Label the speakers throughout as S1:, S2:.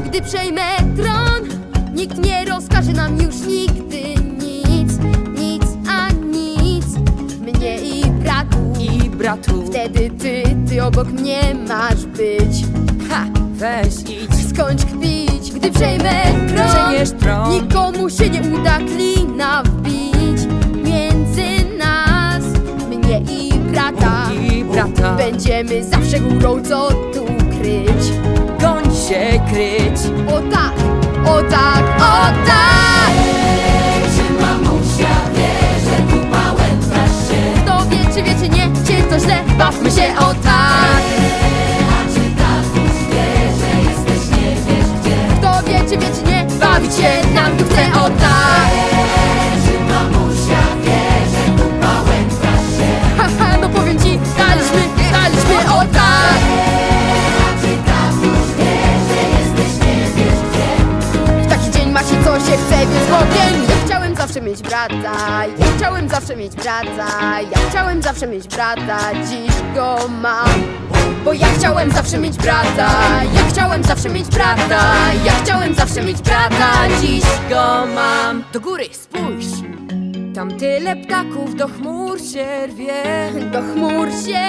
S1: Gdy przejmę tron, nikt nie rozkaże nam już nigdy nic, nic a nic. Mnie i bratu. Wtedy ty obok mnie masz być.
S2: Ha, weź idź,
S1: Skończ kpić, gdy przejmę tron. Nikomu się nie uda klina wbić między nas, mnie i brata. Będziemy zawsze górą, co tu kryć.
S2: Goń się kryć.
S1: O tak, o tak, o tak!
S3: Czy mamusia wie, że tu pałętasz się?
S1: Kto wie, czy wie, czy nie, czy to źle, bawmy się o tak.
S3: A czy tatuś wie, że jesteś nie wiesz gdzie?
S1: Kto wie, czy wie, czy nie, bawić się nam tu chce o tak.
S3: Czy mamusia wie, że tu pałętasz się?
S1: Haha, no powiem ci, daliśmy o tak.
S3: A czy tatuś wie, że jesteś nie wiesz gdzie?
S1: W taki dzień ma się co się chce, więc powiem. Ja chciałem zawsze mieć brata, ja chciałem zawsze mieć brata, ja chciałem zawsze mieć brata, dziś go mam. Bo ja chciałem zawsze mieć brata, ja chciałem zawsze mieć brata, ja chciałem zawsze mieć brata, dziś go mam.
S2: Do góry spójrz, tam tyle ptaków do chmur się rwie.
S1: Do chmur się,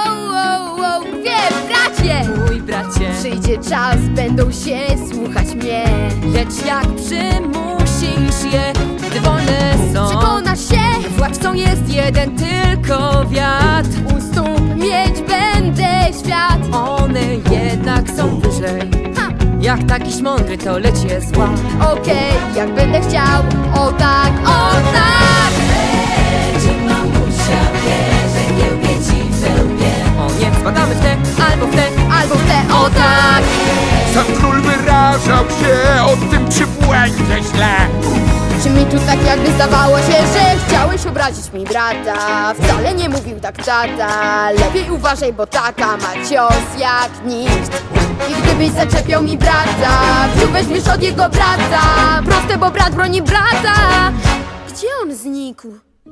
S1: rwie, bracie!
S2: Mój bracie,
S1: Przyjdzie czas, będą się słuchać mnie.
S2: lecz jak przymusisz je, gdy wolne są,
S1: Przekonasz się,
S2: władcą jest jeden tylko wiatr.
S1: u stóp mieć będę świat.
S2: One jednak są wyżej.
S1: Ha!
S2: Jak takiś mądry to lecie zła.
S1: Okej, jak będę chciał, o tak, o tak!
S3: Czy mamusia wie, że kiełbie ci we łbie?
S2: O nie, spadamy w te albo w te.
S1: Albo w te, o tak!
S4: Sam król wyrażał się o tym, czy błędzie źle.
S1: Czy mi tu tak jakby zdawało się, że chciałeś obrazić mi brata? Wcale nie mówił tak tata. Lepiej uważaj, bo tata ma cios jak nikt. I gdybyś zaczepiał mi brata, tu weźmiesz od jego brata. Proste, bo brat broni brata. Gdzie on znikł?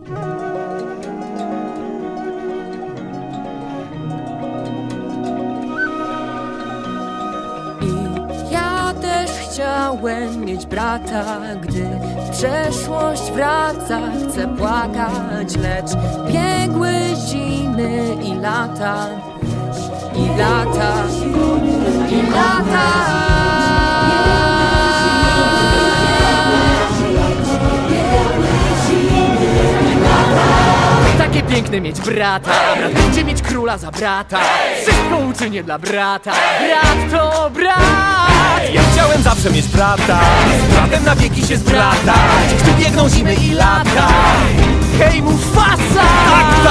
S2: I ja też chciałem mieć brata, gdy przeszłość wraca, chcę płakać, lecz biegły zimy i lata, i lata, i lata.
S5: Takie piękne mieć brata, brat będzie mieć króla za brata. Wszystko uczynię dla brata, brat to brat.
S6: Ja chciałem zawsze mieć brata, z bratem na wieki się zbratać, gdy biegną zimy i lata.
S5: Hej Mufasa!
S6: Tak,